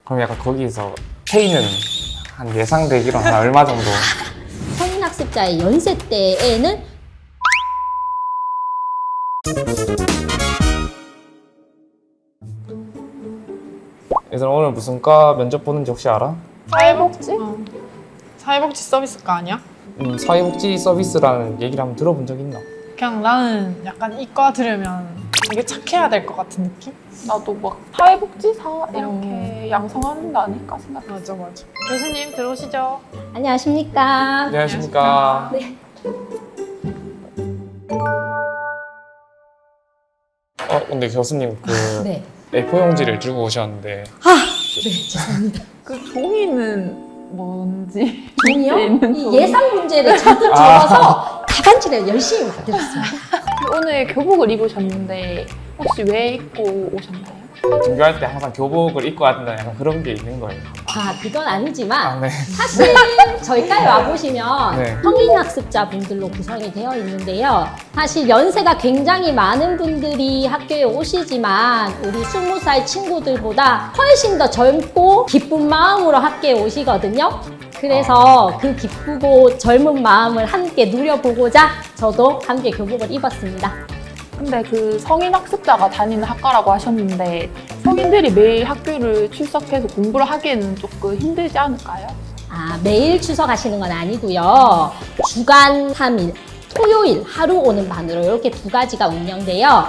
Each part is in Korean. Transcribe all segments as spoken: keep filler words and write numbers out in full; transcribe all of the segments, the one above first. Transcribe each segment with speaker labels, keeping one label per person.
Speaker 1: 그럼 약간 거기서 페이는 한 예상되기로 한 얼마 정도?
Speaker 2: 성인 학습자의 연세 때에는
Speaker 1: 얘들아 오늘 무슨 과 면접 보는지 혹시 알아?
Speaker 3: 사회복지? 어. 사회복지 서비스과 아니야?
Speaker 1: 음, 사회복지 서비스라는 얘기를 한번 들어본 적 있나?
Speaker 3: 그냥 나는 약간 이과 들으면 되게 착해야 될 것 같은 느낌?
Speaker 4: 나도 막 사회복지사 이렇게 양성하는 거 아닐까 생각.
Speaker 3: 맞아 맞아. 교수님 들어오시죠.
Speaker 2: 안녕하십니까?
Speaker 1: 안녕하십니까.
Speaker 2: 네.
Speaker 1: 어 근데 교수님 그
Speaker 2: 네.
Speaker 1: 에이포 용지를 들고 오셨는데
Speaker 2: 네, 죄송합니다.
Speaker 4: 그 종이는 뭔지.
Speaker 2: 종이요?
Speaker 4: 있는
Speaker 2: 이
Speaker 4: 종이.
Speaker 2: 예상 문제를 잔뜩 적어서 답안지를 열심히 만들었습니다.
Speaker 4: 오늘 교복을 입으셨는데 혹시 왜 입고 오셨나요?
Speaker 1: 등교할 때 항상 교복을 입고 왔다 약간 그런 게 있는 거예요.
Speaker 2: 아, 그건 아니지만
Speaker 1: 아 네.
Speaker 2: 사실 저희과에 와보시면
Speaker 1: 네.
Speaker 2: 성인 학습자분들로 구성이 되어 있는데요. 사실 연세가 굉장히 많은 분들이 학교에 오시지만 우리 스무 살 친구들보다 훨씬 더 젊고 기쁜 마음으로 학교에 오시거든요. 그래서 그 기쁘고 젊은 마음을 함께 누려보고자 저도 함께 교복을 입었습니다.
Speaker 4: 근데 그 성인 학습자가 다니는 학과라고 하셨는데 성인들이 매일 학교를 출석해서 공부를 하기에는 조금 힘들지 않을까요?
Speaker 2: 아, 매일 출석하시는 건 아니고요. 주간 삼 일, 토요일 하루 오는 반으로 이렇게 두 가지가 운영돼요.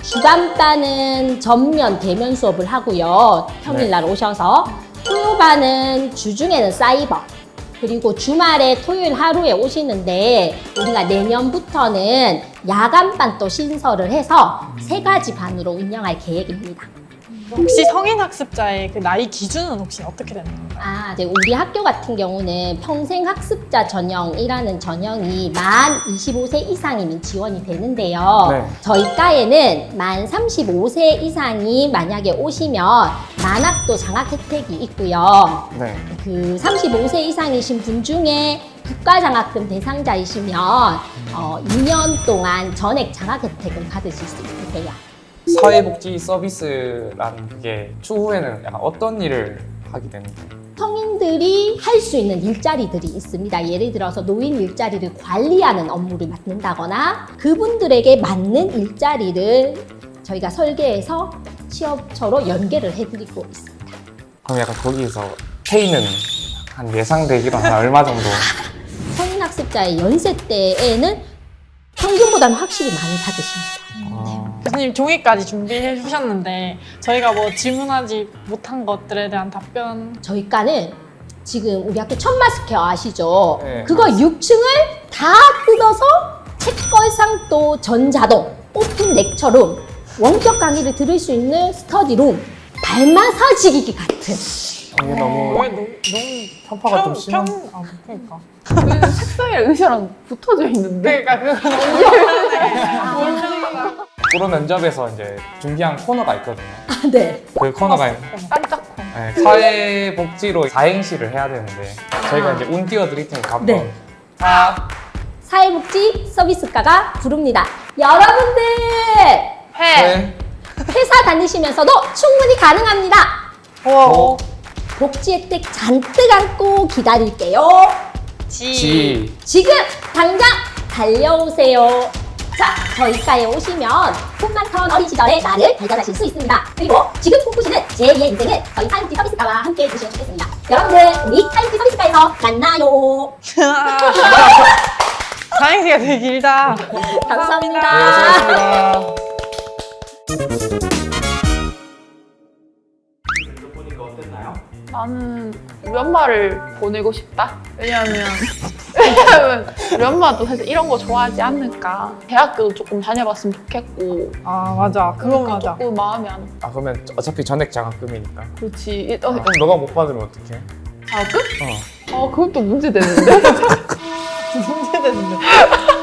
Speaker 2: 주간반은 전면 대면 수업을 하고요. 평일날 오셔서 토요반은 주중에는 사이버 그리고 주말에 토요일 하루에 오시는데 우리가 내년부터는 야간반 또 신설을 해서 세 가지 반으로 운영할 계획입니다.
Speaker 3: 혹시 성인 학습자의 그 나이 기준은 혹시 어떻게 되는 건가요?
Speaker 2: 아, 이제 우리 학교 같은 경우는 평생 학습자 전형이라는 전형이 만 이십오 세 이상이면 지원이 되는데요.
Speaker 1: 네.
Speaker 2: 저희 과에는 만 삼십오 세 이상이 만약에 오시면 만학도 장학 혜택이 있고요.
Speaker 1: 네.
Speaker 2: 그 삼십오 세 이상이신 분 중에 국가장학금 대상자이시면 어, 이 년 동안 전액 장학 혜택을 받으실 수 있으세요.
Speaker 1: 사회복지 서비스라는 게 추후에는 약간 어떤 일을 하게 되는 거예요?
Speaker 2: 성인들이 할 수 있는 일자리들이 있습니다. 예를 들어서 노인 일자리를 관리하는 업무를 맡는다거나 그분들에게 맞는 일자리를 저희가 설계해서 취업처로 연계를 해드리고 있습니다.
Speaker 1: 그럼 약간 거기서 페이는 한 예상되기로 한 얼마 정도?
Speaker 2: 성인 학습자의 연세 때에는 평균보다는 확실히 많이 받으십니다.
Speaker 1: 아,
Speaker 3: 교수님 종이까지 준비해 주셨는데 저희가 뭐 질문하지 못한 것들에 대한 답변
Speaker 2: 저희 과는 지금 우리 학교 천마스케어 아시죠?
Speaker 1: 네.
Speaker 2: 그거 육 층을 다 뜯어서 책걸상 또 전자동, 오픈 렉처룸, 원격 강의를 들을 수 있는 스터디룸, 발 마사지기기 같은
Speaker 1: 이게 너무
Speaker 3: 왜 너무 너무
Speaker 1: 편파가 좀 심한.
Speaker 3: 평, 아, 그러니까
Speaker 4: 그 책상이랑 의자랑 붙어져 있는데.
Speaker 3: 그러니까 그거 너무
Speaker 1: 프로 면접에서 이제 준비한 코너가 있거든요.
Speaker 2: 네.
Speaker 1: 그 코너가
Speaker 4: 깜짝코.
Speaker 1: 네, 사회복지로 사행시를 해야 되는데 저희가 이제 운 띄워드릴 테니까 한번
Speaker 2: 네.
Speaker 1: 사,
Speaker 2: 사회복지 서비스과가 부릅니다. 여러분들
Speaker 4: 해.
Speaker 1: 회,
Speaker 2: 회사 다니시면서도 충분히 가능합니다.
Speaker 1: 오,
Speaker 2: 복지 혜택 잔뜩 안고 기다릴게요.
Speaker 1: 지.
Speaker 2: 지금 당장 달려오세요. 자, 저희 과에 오시면 꿈만턴 어린 시절의 나를 발견하실 수 있습니다. 그리고 지금 꿈꾸시는 제이의 인생은 저희 사회복지 서비스과와 함께 해주시면 좋겠습니다. 여러분들, 우리 사회복지 서비스과에서 만나요.
Speaker 3: 사행시가 되게 길다.
Speaker 2: 감사합니다.
Speaker 1: 네, 수고하셨습니다.
Speaker 4: 나는 우리 엄마를 보내고 싶다. 왜냐하면 왜냐하면 우리 엄마도 사실 이런 거 좋아하지 않을까. 대학교도 조금 다녀봤으면 좋겠고.
Speaker 3: 아 맞아 그건
Speaker 4: 그러니까
Speaker 3: 맞아.
Speaker 4: 조금 마음이 안.
Speaker 1: 아 그러면 어차피 전액 장학금이니까.
Speaker 4: 그렇지. 어,
Speaker 1: 그럼 너가 못 받으면 어떡해?
Speaker 4: 자금?
Speaker 1: 어.
Speaker 4: 어, 그건 또 문제 되는데.
Speaker 3: 문제되는데.